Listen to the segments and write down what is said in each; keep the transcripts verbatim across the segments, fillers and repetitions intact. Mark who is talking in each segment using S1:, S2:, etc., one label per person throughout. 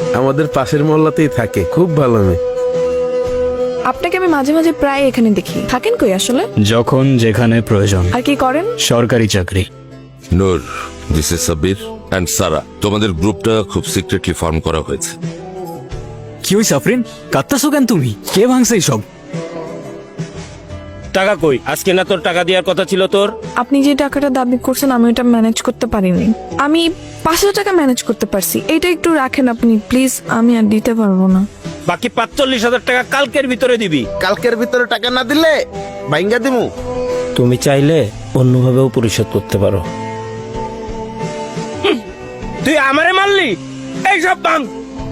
S1: আমাদের পাশের মহল্লাতেই থাকে, খুব ভালো মেয়ে।
S2: আপনাকে আমি মাঝে মাঝে প্রায় এখানে দেখি, থাকেন কই আসলে?
S3: যখন যেখানে প্রয়োজন।
S2: আর কি করেন?
S3: সরকারি চাকরি।
S4: Noor, this is Sabir and Sara. তোমাদের গ্রুপটা খুব সিক্রেটলি ফর্ম করা হয়েছে।
S3: কি হইছে আফরিন, কাঁদতাছো কেন তুমি? কে ভাঙছে সব?
S5: টাকা কই? আজকে না তোর টাকা দেওয়ার কথা ছিল তোর?
S2: আপনি যে টাকাটা দাবি করছেন আমি ওটা ম্যানেজ করতে পারিনি। আমি পাঁচশো টাকা ম্যানেজ করতে পারছি, এইটা একটু রাখেন আপনি প্লিজ, আমি আর দিতে পারবো না।
S5: বাকি পাঁচচল্লিশ হাজার টাকা কালকের ভিতরে দিবি।
S1: কালকের ভিতরে টাকা না দিলে বাইঙ্গা দিমু।
S5: তুমি চাইলে অন্যভাবেও পরিশোধ করতে পারো। তুই আমারে মারলি? এই সব ভাঙ।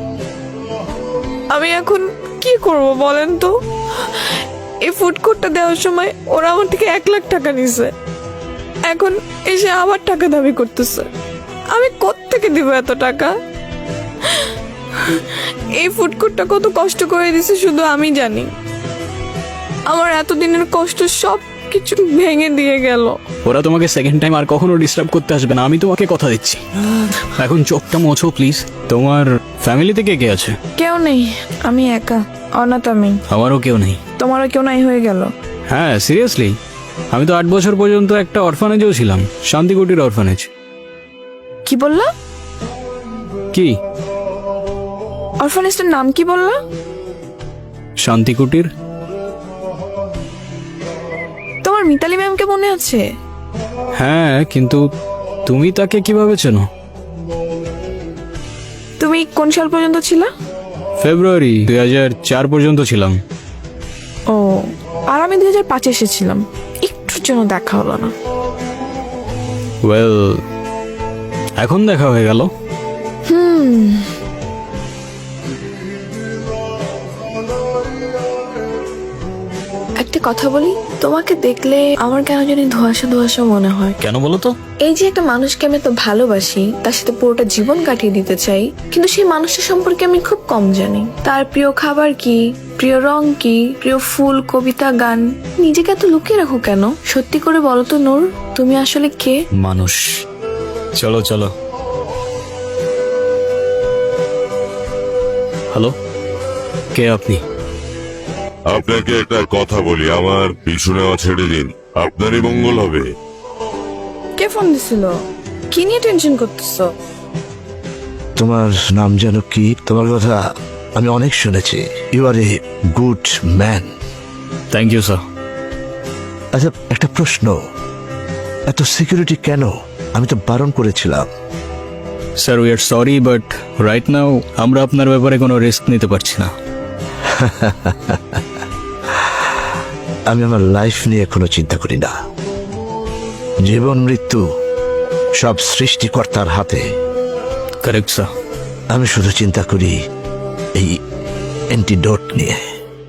S2: আমি এখন কি করব বলেন তো? এই ফুড কোর্টটা দেওয়ার সময় ওরা আমার থেকে এক লাখ টাকা নিছে, এখন এসে আবার টাকা দাবি করতেছে। আমি কোত্থেকে দিব এত টাকা? এই ফুড কোর্টটা কত কষ্ট করে দিছে শুধু আমি জানি। আমার এতদিনের কষ্ট সব কিছু ভেঙে দিয়ে গেল।
S3: ওরা তোমাকে সেকেন্ড টাইম আর কখনো ডিস্টার্ব করতে আসবে না, আমি তোমাকে কথা দিচ্ছি। এখন চোখটা মোছো প্লিজ। তোমার ফ্যামিলিতে কে কে আছে?
S2: কেউ নেই, আমি একা, অনাথ আমি।
S3: আমারও কেউ নেই।
S2: তোমারও কেউ নাই হয়ে গেল?
S3: হ্যাঁ সিরিয়াসলি, আমি তো আট বছর পর্যন্ত একটা অরফানেজেও ছিলাম, শান্তিকুটির অরফানেজ।
S2: কি বললা?
S3: কি?
S2: অরফানেজটার নাম কি বললা?
S3: শান্তিকুটির।
S2: তোমার মিতালি ম্যামকে মনে আছে?
S3: হ্যাঁ, কিন্তু তুমি তাকে কিভাবে চেনো?
S2: তুমি কোন সাল পর্যন্ত ছিলা?
S3: ফেব্রুয়ারি দুই হাজার চার পর্যন্ত ছিলাম।
S2: ও, আর আমি দুই হাজার পাঁচে এসেছিলাম, একটুর জন্য দেখা হলো না।
S3: ওয়েল, এখন দেখা হয়ে গেল।
S2: হুম, একটা কথা বলি, তোমাকে দেখলে আমার কেন জানি ধোঁয়াশা ধোঁয়াশা মনে হয়।
S3: কেন বলো তো?
S2: এই যে একটা মানুষকে আমি এত ভালোবাসি, তার সাথে পুরোটা জীবন কাটিয়ে দিতে চাই, কিন্তু সেই মানুষটা সম্পর্কে আমি খুব কম জানি। তার প্রিয় খাবার কি, প্রিয় রং কি, প্রিয় ফুল, কবিতা, গান। নিজেকে এত লুকিয়ে রাখো কেন? সত্যি করে বলো তো নূর, তুমি আসলে কে?
S3: মানুষ। চলো চলো। হ্যালো, কে আপনি?
S6: আপনাকে একটা কথা বলি, আমার পিছু নেওয়া ছেড়ে দিন, আপনারই মঙ্গল হবে।
S2: কে ফোন দিছিল? কি নিয়ে টেনশন করতেছো?
S7: তোমার নাম যেন কি? তোমার কথা আমি অনেক শুনেছি। You are a good man.
S3: Thank you sir.
S7: আচ্ছা, একটা প্রশ্ন, এত সিকিউরিটি কেন? আমি তো বারণ করেছিলাম।
S3: Sir we are sorry, but right now আমরা আপনার ব্যাপারে কোনো রিস্ক নিতে পারছি না।
S7: আমি আমার লাইফ নিয়ে কোনো চিন্তা করি না। জীবন মৃত্যু সব সৃষ্টিকর্তার হাতে।
S3: Correct sir.
S7: আমি শুধু চিন্তা করি এই অ্যান্টিডোট নিয়ে।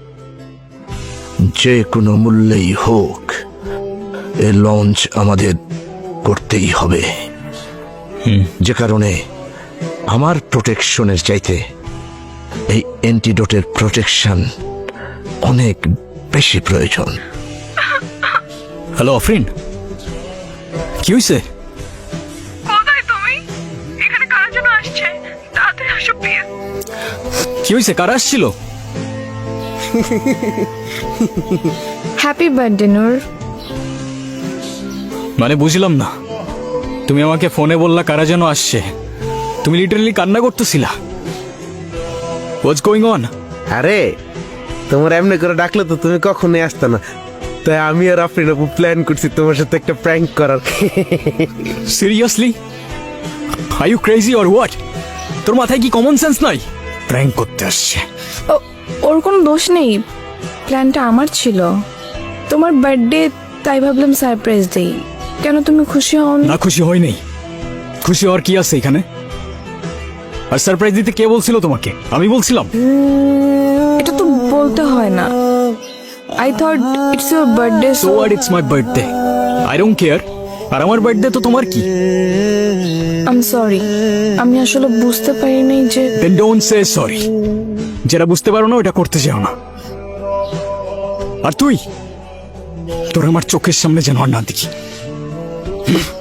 S7: যে কোনো মূল্যেই হোক এ লঞ্চ আমাদের করতেই হবে। যে কারণে আমার প্রোটেকশনের চাইতে এই অ্যান্টিডোটের প্রোটেকশন অনেক বেশি প্রয়োজন।
S3: হ্যালো আফরিন, কি হয়েছে?
S2: কোথায় তুমি? এখানে কার জন্য আসছে? তাড়াতাড়ি আসো প্লিজ।
S3: কি হয়েছে? কারা আসছিল?
S2: Happy birthday Noor.
S3: মানে বুঝলাম না, তুমি আমাকে ফোনে বললা কারা যেন আসছে, তুমি লিটারালি কান্না করতেছিলা। What's going on?
S1: আরে তোমার এমনি করে ডাকলে তো তুমি কখনোই আসতে না, তাই আমি আর আফরিন আপু প্ল্যান করছি তোমার সাথে একটা প্র্যাঙ্ক করার।
S3: Seriously? Are you crazy or what? তোর মাথায় কি কমন সেন্স নাই? প্র্যাঙ্ক করতে আসছে।
S2: ও- ওর কোনো দোষ নেই, প্ল্যানটা আমার ছিল। তোমার বার্থডে, তাই ভাবলাম সারপ্রাইজ দেই। কেন তুমি খুশি হও না?
S3: না, খুশি হয় নাই। খুশি হওয়ার কি আছে এখানে? আর সারপ্রাইজ দিতে কে বলছিল তোমাকে? আমি বলছিলাম?
S2: এটা তো বলতে হয় না। I thought it's your birthday,
S3: so what, it's my birthday, I don't care. আর আমার বার্থডে তো তোমার কি?
S2: আই এম সরি, আমি আসলে বুঝতে পারিনি যে।
S3: Then don't say sorry. যেটা বুঝতে পারো না ওটা করতে যাও না। আর তুই, তোর আমার চোখের সামনে যেন আর না দেখি।